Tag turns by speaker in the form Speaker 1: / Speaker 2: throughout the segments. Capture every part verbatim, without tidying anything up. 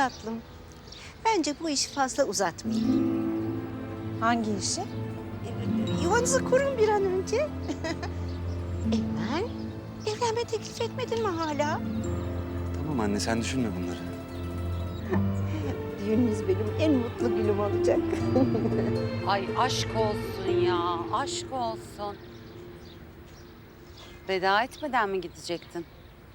Speaker 1: tatlım. Bence bu işi fazla uzatmayın.
Speaker 2: Hangi işi?
Speaker 1: Yuvanızı kurun bir an önce. Emel, evlenme teklif etmedin mi hala?
Speaker 3: Tamam anne, sen düşünme bunları.
Speaker 1: Düğününüz benim en mutlu günüm olacak.
Speaker 4: Ay aşk olsun ya, aşk olsun. Veda etmeden mi gidecektin?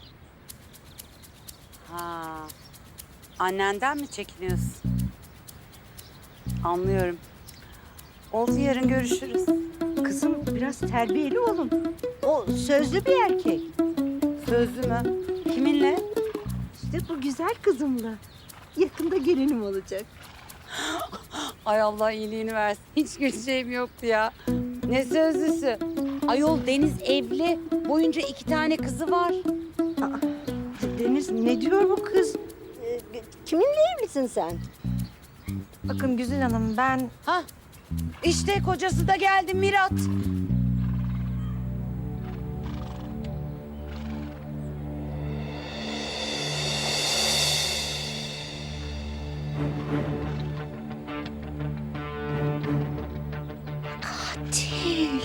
Speaker 4: Ha, annenden mi çekiniyorsun? Anlıyorum. Oldu, yarın görüşürüz.
Speaker 1: Kızım biraz terbiyeli olun. O sözlü bir erkek.
Speaker 4: Sözlü mü? Kiminle?
Speaker 1: İşte bu güzel kızımla. Yakında gelinim olacak.
Speaker 4: Ay Allah iyiliğini versin. Hiç güleceğim yoktu ya. Ne sözlüsü? Ayol Deniz evli. Boyunca iki tane kızı var.
Speaker 1: Aa, Deniz ne diyor bu kız? Ee, kiminle evlisin sen?
Speaker 2: Bakın Güzin Hanım, ben
Speaker 4: Hah, işte kocası da geldi Mirat.
Speaker 1: Katil.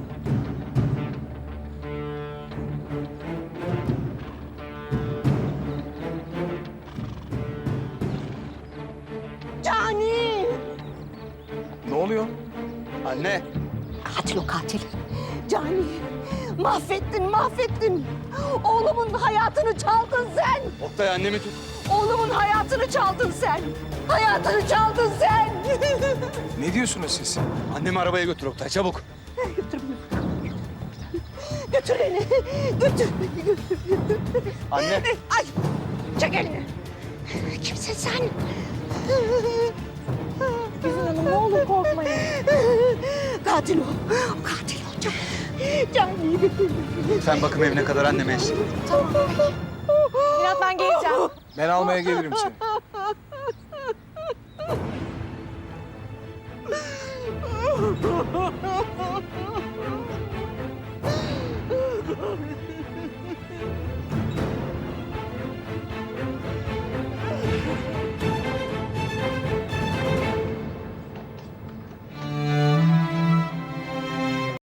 Speaker 1: Cani!
Speaker 3: Ne oluyor? Anne.
Speaker 1: Katil o katil. Cani, mahvettin, mahvettin. Oğlumun hayatını çaldın sen.
Speaker 3: Oktay, annemi tut.
Speaker 1: Oğlumun hayatını çaldın sen. Hayatını çaldın sen.
Speaker 5: Ne diyorsunuz siz?
Speaker 3: Annemi arabaya götür Oktay, çabuk.
Speaker 1: Götür beni. Götür beni. Götür beni. Götür.
Speaker 3: Anne.
Speaker 1: Ay, çek elini. Kimsin sen?
Speaker 2: Güzin Hanım ne olur korkmayın.
Speaker 1: Katil o. Katil o. Can. Cani'yi götür.
Speaker 3: Sen bakım evine kadar anneme eşlik et.
Speaker 2: Mirat, ben geleceğim.
Speaker 5: Ben almaya gelirim seni.